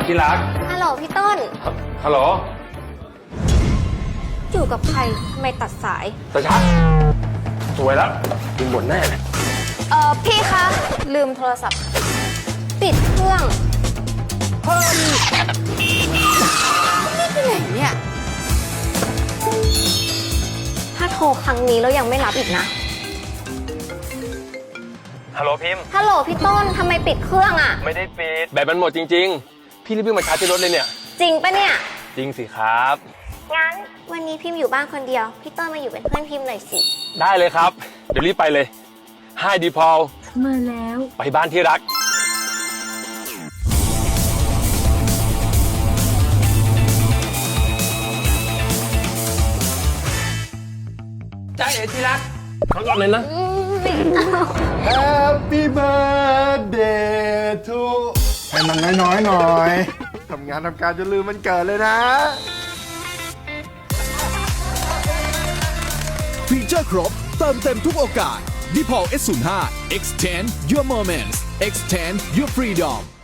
ที่รักฮัลโหลพี่ต้นฮัลโหลอยู่กับใครทำไมตัดสายตาชักสวยแล้วกินหมดแน่เลยพี่คะ ลืมโทรศัพท์ ปิดเครื่องนี่ไปไหนเนี่ย ถ้าโทรครั้งนี้แล้วยังไม่รับอีกนะฮัลโหลพิมพ์ฮัลโหลพี่ต้นทำไมปิดเครื่องอ่ะไม่ได้ปิดแบตมันหมดจริงๆพี่รีบวิ่งมาชาร์จที่รถเลยเนี่ยจริงปะเนี่ยจริงสิครับงั้นวันนี้พิมพ์อยู่บ้านคนเดียว พี่ต้นมาอยู่เป็นเพื่อนพิมพ์หน่อยสิได้เลยครับเดี๋ยวรีบไปเลยให้ดีพอลมาแล้วไปบ้านที่รักจ้าเอ๋ที่รักขอก่อนเลยนะ Happy birthday to ให้มันน้อยๆหน่อยทำงานทำการจนลืมมันเกิดเลยนะฟีเจอร์ครบเติมเต็มทุกโอกาส d p o l S05 Extend your moments Extend your freedom